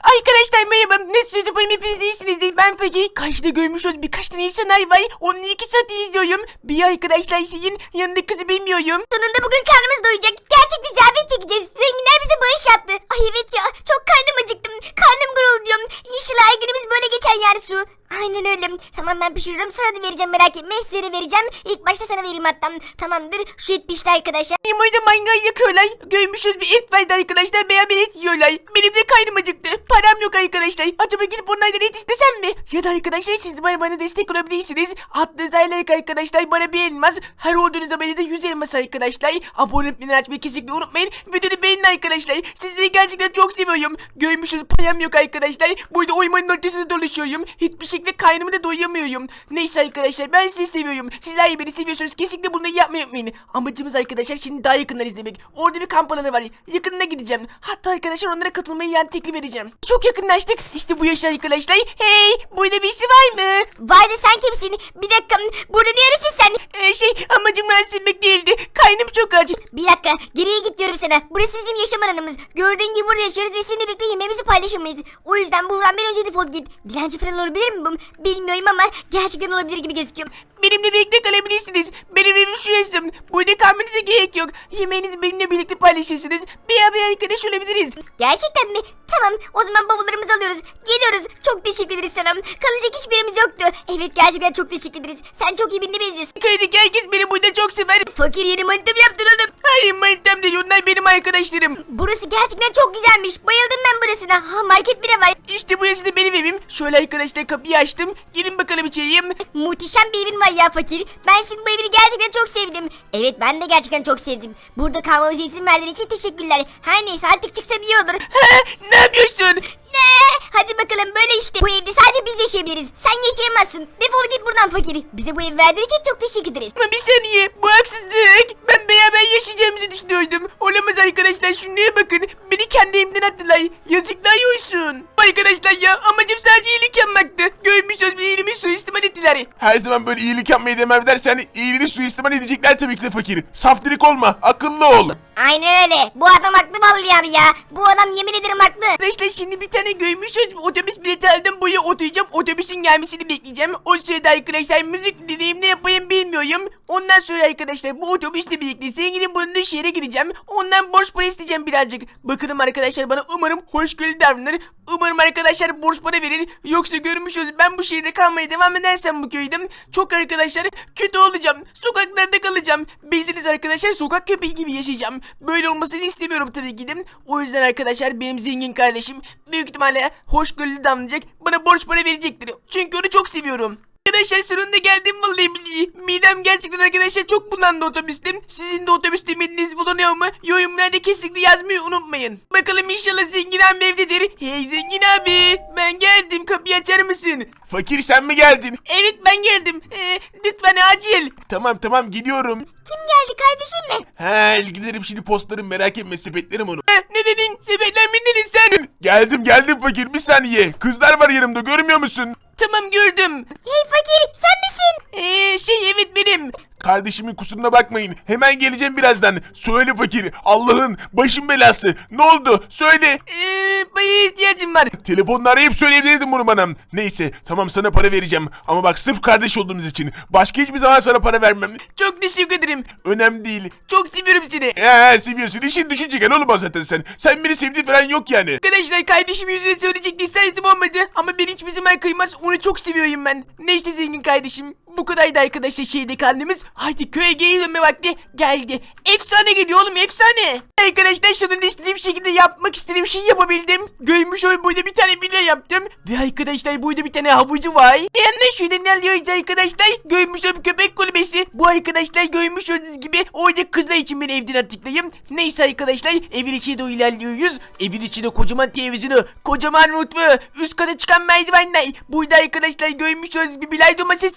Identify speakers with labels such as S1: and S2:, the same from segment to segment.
S1: Arkadaşlar merhaba. Nasılsınız? Umarım hepiniz iyisinizdir. Ben Fakir. Karşıda görmüş olduğunuz birkaç tane insanlar var. Onları 2 saat izliyorum. Bir arkadaşlar sizin yanında kızı bilmiyorum.
S2: Sonunda bugün karnımız doyacak. Gerçek bir ziyafet çekeceğiz. Zenginler bize bağış yaptı. Ay evet ya. Çok karnım acıktım. Karnım gurulduyor. İnşallah her günümüz böyle geçer yani Su. Aynen öyle. Tamam ben pişiririm. Sana da vereceğim, merak etme. Size de vereceğim. İlk başta sana vereyim hatta. Tamamdır. Şu et pişti arkadaşlar.
S1: Benim orada mangal yakıyorlar. Görmüşüz bir et vardı arkadaşlar. Beraber et yiyorlar. Benim de karnım acıktı. Param yok arkadaşlar. Acaba gidip onlardan et istesem mi? Ya da arkadaşlar siz de bana destek olabilirsiniz. Attığınız like arkadaşlar. Bana bir elmas. Her olduğunuz abone de 100 elmas arkadaşlar. Abone olmayı açmayı kesinlikle unutmayın. Videoyu beğenin arkadaşlar. Sizleri gerçekten çok seviyorum. Görmüşüz param yok arkadaşlar. Burada oymanın ortasında dolaşıyorum. Hiçbir şekilde karnımı da doyamıyorum. Neyse arkadaşlar ben sizi seviyorum. Sizler beni seviyorsunuz. Kesinlikle bunu yapmayı unutmayın. Amacımız arkadaşlar şimdi daha yakından izlemek. Orada bir kamp alanı var. Yakınına gideceğim. Hatta arkadaşlar onlara katılmayı yani teklif vereceğim. Çok yakınlaştık. İşte bu yaş arkadaşlar. Hey, burada birisi var mı?
S2: Vay da sen kimsin? Bir dakika. Burada ne arıyorsun sen?
S1: Amacım rahatsız etmek değildi. Karnım çok aç.
S2: Bir dakika. Geriye git diyorum sana. Burası bizim yaşam alanımız. Gördüğün gibi burada yaşarız ve seninle birlikte yemeğimizi paylaşamayız. O yüzden buradan bir önce defol git. Dilenci falan olabilir mi bu? Bilmiyorum ama gerçekten olabilir gibi gözüküyor.
S1: Benimle birlikte kalabilirsiniz. Benim evim şurası. Burada kalmanıza gerek yok. Yemeğinizi benimle birlikte paylaşırsınız. Beraber arkadaş olabiliriz.
S2: Gerçekten mi? Tamam. O zaman bavullarımızı alıyoruz. Geliyoruz. Çok teşekkür ederiz sana. Kalacak hiçbir yerimiz yoktu. Evet gerçekten çok teşekkür ederiz. Sen çok iyi birine benziyorsun.
S1: Köydeki herkes beni burada çok sever.
S2: Fakir yeni manitam yaptın oğlum.
S1: Hayır manitam değil, onlar benim arkadaşlarım.
S2: Burası gerçekten çok güzelmiş. Bayıldım ben burasına. Ha market bile var.
S1: İşte burası da benim evim. Şöyle arkadaşlar kapıyı açtım. Gelin bakalım içeriye.
S2: Muhteşem bir evin var ya Fakir. Ben senin bu evini gerçekten çok sevdim. Evet ben de gerçekten çok sevdim. Burada kalmamıza izin verdiğin için teşekkürler. Her neyse artık çıksan iyi olur.
S1: Ne yapıyorsun?
S2: Ne? Hadi bakalım böyle işte. Bu evde sadece biz yaşayabiliriz. Sen yaşayamazsın. Defol git buradan Fakir. Bize bu evi verdiğin için çok teşekkür ederiz.
S1: Ama bir saniye, bu haksızlık. Ben beraber yaşayacağımızı düşünüyordum. Olamaz arkadaşlar, şunlara bakın. Beni kendi evimden attılar. Yazıklar olsun. Arkadaşlar ya, amacım sadece iyilik yapmaktı. Görmüşsünüz bir iyiliğimi suistimal ettiler.
S3: Her zaman böyle iyilik yapmayı demem dersen iyiliğini suistimal edecekler tabii ki de Fakir. Saftirik olma, akıllı ol.
S2: Aynen öyle. Bu adam haklı vallahi abi ya. Bu adam yemin ederim haklı.
S1: Arkadaşlar şimdi bir tane görmüşsünüz. Otobüs bileti aldım, buraya oturacağım. Otobüsün gelmesini bekleyeceğim. O sırada arkadaşlar müzik dinleyeyim, ne yapayım bilmiyorum. Ondan sonra arkadaşlar bu otobüsle birlikte zenginin bulunduğu şehre gireceğim. Ondan borç para isteyeceğim birazcık. Bakalım arkadaşlar bana umarım hoşgörülü davranır. Umarım arkadaşlar borç para verir. Yoksa görmüşsünüz ben bu şehirde kalmaya devam edersem bu köyde çok arkadaşlar kötü olacağım. Sokaklarda kalacağım. Bildiğiniz arkadaşlar sokak köpeği gibi yaşayacağım. Böyle olmasını istemiyorum tabii ki de. O yüzden arkadaşlar benim zengin kardeşim büyük ihtimalle hoşgörülü davranacak. Bana borç para verecektir. Çünkü onu çok seviyorum. Arkadaşlar sonunda geldim vallahi billahi. Midem gerçekten arkadaşlar çok bulandı otobüste. Sizin de otobüste mideniz bulanıyor mu? Yorumlarda kesinlikle yazmayı unutmayın. Bakalım inşallah zengin abi evdedir. Hey zengin abi, ben geldim, kapıyı açar mısın?
S3: Fakir sen mi geldin?
S1: Evet ben geldim. Lütfen acil.
S3: Tamam gidiyorum.
S2: Kim geldi kardeşim mi?
S3: He giderim şimdi postlarım merak etme sepetlerim onu.
S1: Ne dedin? Sepetler mi dedin sen?
S3: Geldim Fakir bir saniye. Kızlar var yanımda görmüyor musun?
S1: Tamam gördüm.
S2: Hey Fakir sen misin?
S1: Evet benim.
S3: Kardeşimin kusuruna bakmayın. Hemen geleceğim birazdan. Söyle Fakir. Allah'ın başım belası. Ne oldu? Söyle.
S1: Paraya ihtiyacım var.
S3: Telefonla arayıp söyleyebilirdim bunu bana. Neyse tamam sana para vereceğim. Ama bak sırf kardeş olduğumuz için. Başka hiçbir zaman sana para vermem.
S1: Çok teşekkür ederim.
S3: Önemli değil.
S1: Çok seviyorum seni.
S3: Seviyorsun. İşin düşüncegen olmaz zaten sen. Sen beni sevdiğin falan yok yani.
S1: Arkadaşlar kardeşim yüzüne söyleyecekti, saydım olmadı. Ama beni hiçbir zaman kıymaz. Onu çok seviyorum ben. Neyse zengin kardeşim. Bu kadardı arkadaşlar şeyde kaldığımız. Haydi köye geri dönme vakti geldi. Efsane geliyor oğlum, efsane. Arkadaşlar sonunda istediğim şekilde yapmak istediğim şeyi yapabildim. Görmüş ol burada bir tane villa yaptım. Ve arkadaşlar burada bir tane havucu var. Yanında şurada ne alıyoruz arkadaşlar? Görmüş ol köpek kulübesi. Bu arkadaşlar görmüş olduğunuz gibi orada kızlar için beni evden attıklayım. Neyse arkadaşlar evin içine doğru ilerliyoruz. Evin içinde kocaman televizyonu, kocaman mutfağı, üst kata çıkan merdivenler. Burada arkadaşlar görmüş olduğunuz bir bilardo masası.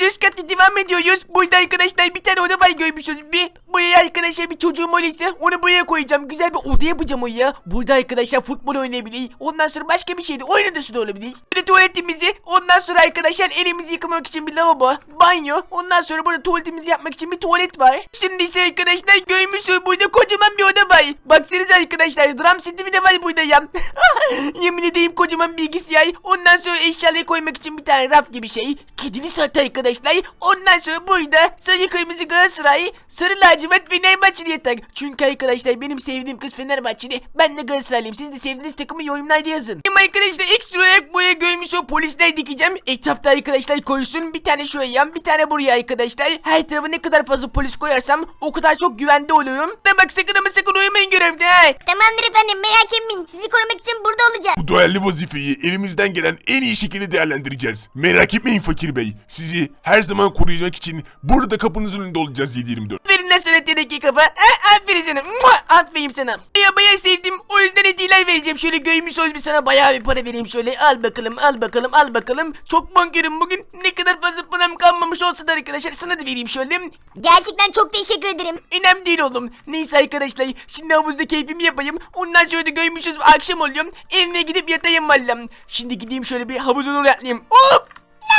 S1: üst katta devam ediyoruz. Burada arkadaşlar bir tane oda var görmüşsünüz. Buraya arkadaşlar bir çocuğum olursa onu buraya koyacağım. Güzel bir oda yapacağım oraya. Burada arkadaşlar futbol oynayabilir. Ondan sonra başka bir şey de oyun odası da olabilir. Bir de tuvaletimizi. Ondan sonra arkadaşlar elimizi yıkamak için bir lavabo. Banyo. Ondan sonra burada tuvaletimizi yapmak için bir tuvalet var. Şimdi ise arkadaşlar görmüşsünüz burada kocaman bir oda var. Baksanıza arkadaşlar drum seti bile var burada ya. Yemin edeyim kocaman bilgisayar. Ondan sonra eşyaları koymak için bir tane raf gibi şey. Kedili saat arkadaşlar. Ondan sonra burada sarı kırmızı Galatasaray, sarı lacivert ve Fenerbahçeli yatak. Çünkü arkadaşlar benim sevdiğim kız Fenerbahçeli. Ben de Galatasaraylıyım. Siz de sevdiğiniz takımı yorumlarda yazın. Benim arkadaşlar ekstra olarak buraya görmüş o polisler dikeceğim. Etrafta arkadaşlar koysun. Bir tane şuraya bir tane buraya arkadaşlar. Her tarafa ne kadar fazla polis koyarsam o kadar çok güvende oluyorum. Ne bak sakın ama sakın uyumayın görevde.
S2: Tamamdır efendim, merak etmeyin. Sizi korumak için burada olacağız.
S3: Bu değerli vazifeyi elimizden gelen en iyi şekilde değerlendireceğiz. Merak etmeyin Fakir Bey. Sizi her zaman koruyacak için burada kapınızın önünde olacağız 7/24.
S1: Aferin lan sana teneke kafa. Aferin sana. Aferin sana. Bayağı sevdim. O yüzden hediyeler vereceğim. Şöyle görmüş ol bir sana bayağı bir para vereyim şöyle. Al bakalım al bakalım al bakalım. Çok bankerim bugün. Ne kadar fazla param kalmamış olsa da arkadaşlar sana da vereyim şöyle.
S2: Gerçekten çok teşekkür ederim.
S1: Önemli değil oğlum. Neyse arkadaşlar. Şimdi havuzda keyfimi yapayım. Ondan sonra da görmüşüz akşam oluyor. Evime gidip yatayım vallam. Şimdi gideyim şöyle bir havuza doğru atlayayım. Hop.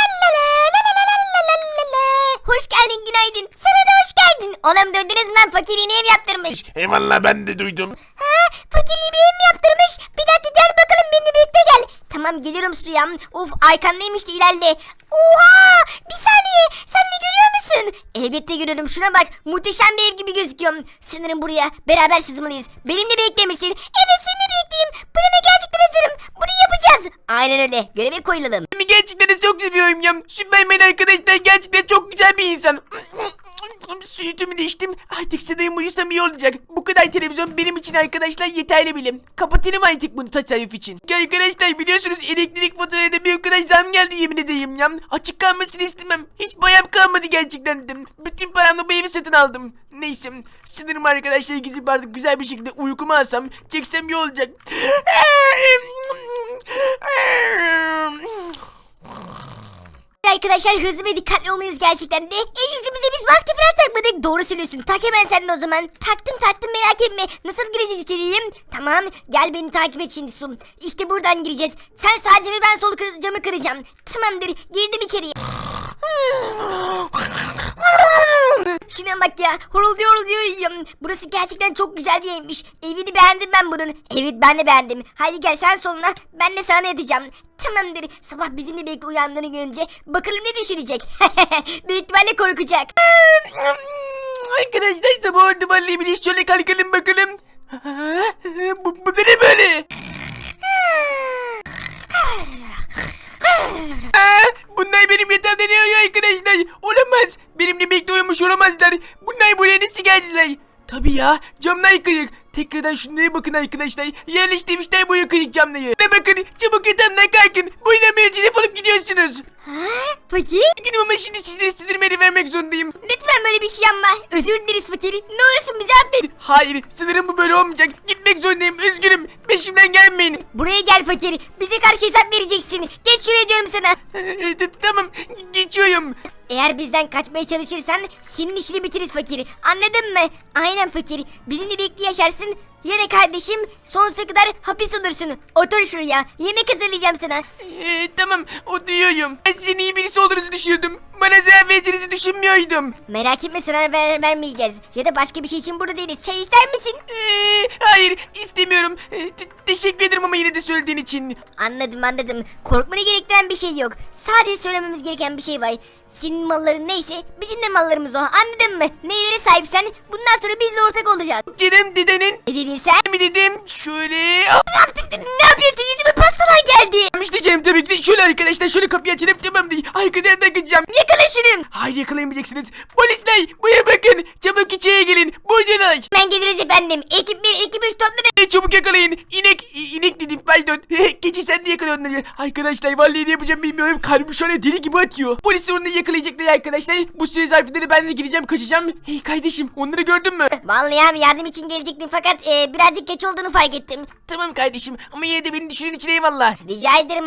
S2: Hoş geldin, günaydın. Sana da hoş geldin. Oğlum döndünüz mü lan, fakir yeni ev yaptırmış.
S3: Eyvallah ben de duydum.
S2: Ha, fakir iyi bir ev mi yaptırmış? Bir dakika gel bakalım, benimle birlikte gel. Tamam gelirim suya. Of arkandaymış da ilerle. Oha, bir saniye, sen ne görüyor musun? Elbette görüyorum, şuna bak, muhteşem bir ev gibi gözüküyor. Sanırım buraya beraber sızmalıyız. Benimle birlikte misin? Evet, seninle birlikteyim. Plana gerçekten hazırım. Bunu yapacağız. Aynen öyle, göreve koyulalım.
S1: Gerçekten de çok seviyorum ya. Süpermen arkadaşlar gerçekten çok güzel bir insan. Sütümü de içtim. Artık sanırım uyusam iyi olacak. Bu kadar televizyon benim için arkadaşlar yeterli bilim. Kapatayım artık bunu tasarruf için. Arkadaşlar biliyorsunuz elektrik faturasına bir o kadar zam geldi yemin edeyim ya. Açık kalmasını istemem. Hiç bayam kalmadı gerçekten de. Bütün paramla bu evi satın aldım. Neyse sanırım arkadaşlar gizli artık güzel bir şekilde uykumu alsam çeksem iyi olacak.
S2: Arkadaşlar hızlı ve dikkatli olmalıyız gerçekten de. Yüzümüze biz maske falan takmadık. Doğru söylüyorsun. Tak hemen sen de o zaman. Taktım merak etme. Nasıl gireceğiz içeriye? Tamam gel beni takip et şimdi Sum. İşte buradan gireceğiz. Sen sağ camı ben sol camı kıracağım. Tamamdır girdim içeriye. Şuna bak ya, horulduyor uyuyorum. Burası gerçekten çok güzel bir evmiş. Evini beğendim ben bunun. Evet ben de beğendim. Haydi gel sen soluna, ben de sana yatacağım. Tamamdır. Sabah bizimle birlikte uyandığını görünce bakalım ne düşünecek. Büyük ihtimalle korkacak.
S1: Arkadaşlar sabah oldu vallahi billahi şöyle kalkalım bakalım. Bu da ne böyle? Bunlar benim yatağımda ne uyuyor arkadaşlar? Olamaz. Benimle birlikte uyumuş olamazlar. Bunlar buraya nasıl geldiler? Tabii ya, camlar kırık. Tekrardan şunlara bakın arkadaşlar. Yerleştirmişler bu kırık camları. Ne bakın, çabuk yatağımdan kalkın. Bu ile defolup gidiyorsunuz.
S2: Fakir?
S1: Üzgünüm ama şimdi sizlere sinirmeni vermek zorundayım.
S2: Lütfen böyle bir şey yapma. Özür dileriz fakir. Ne olursun bizi affet.
S1: Hayır, sınırım bu böyle olmayacak. Gitmek zorundayım, üzgünüm. Peşimden gelmeyin.
S2: Buraya gel fakir. Bize karşı hesap vereceksin. Geç şuraya diyorum sana.
S1: Tamam, geçiyorum.
S2: Eğer bizden kaçmaya çalışırsan senin işini bitiririz fakir. Anladın mı? Aynen fakir. Bizimle birlikte yaşarsın. Ya da kardeşim sonsuza kadar hapis olursun. Otur şuraya. Yemek hazırlayacağım sana.
S1: Tamam, oturuyorum. Ben sizin iyi birisi olduğunuzu düşünüyordum. Bana zarar vereceğinizi düşünmüyordum.
S2: Merak etme, sana vermeyeceğiz. Ya da başka bir şey için burada değiliz. Çay ister misin?
S1: Hayır, istemiyorum. Teşekkür ederim ama yine de söylediğin için.
S2: Anladım. Korkmanı gerektiren bir şey yok. Sadece söylememiz gereken bir şey var. Senin malların neyse bizim de mallarımız o. Anladın mı? Neylere sahipsen bundan sonra bizle ortak olacağız.
S1: Canım dedenin.
S2: Ne dedin sen?
S1: Mi dedim? Şöyle.
S2: Ne yapıyorsun? Yüzüme pastalar geldi.
S1: İşte canım tabii ki de şöyle arkadaşlar şöyle kapıyı açalım tamam değil. Arkadan kaçacağım.
S2: Yakala şunu.
S1: Hayır yakalayamayacaksınız. Polisler buraya bakın. Çabuk içeriye gelin. Buradalar.
S2: Ben geliriz efendim. Ekip 1, ekip 3 toplanın.
S1: Çabuk yakalayın. İnek dedim pardon. Keçi sen de yakala onları. Arkadaşlar vallahi ne yapacağım bilmiyorum. Kalbim şu an deli gibi atıyor. Polis onları yakalayacaklar arkadaşlar. Bu süre zarfında da ben de gideceğim kaçacağım. Hey kardeşim onları gördün mü?
S2: Vallahi abi yardım için gelecektim fakat birazcık geç olduğunu fark ettim.
S1: Tamam kardeşim ama yine de beni düşünün için eyvallah.
S2: Rica ederim abi.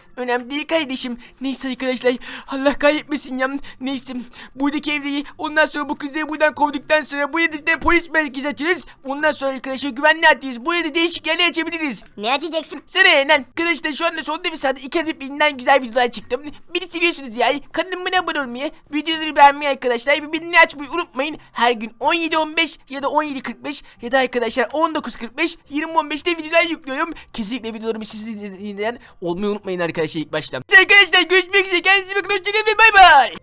S1: Önemli değil kardeşim. Neyse arkadaşlar. Allah kahretmesin ya. Neyse. Buradaki evdeyi ondan sonra bu kızları buradan kovduktan sonra buraya da polis merkezi açarız. Ondan sonra arkadaşlar güvenli adliyiz. Buraya da değişik yerler açabiliriz.
S2: Ne açacaksın?
S1: Sıra lan. Arkadaşlar şu anda sonunda bir saat iki adet birbirinden güzel videolar çıktım. Beni seviyorsunuz ya. Kanalıma abone olmayı, videoları beğenmeyi arkadaşlar. Bildirimleri açmayı unutmayın. Her gün 17.15 ya da 17.45 ya da arkadaşlar 19.45 20.15'te videolar yüklüyorum. Kesinlikle videolarımı siz izleyen olmayı unutmayın arkadaşlar ilk başta. Arkadaşlar görüşmek üzere. Kendinize bakın. Hoşçakalın ve bay bay.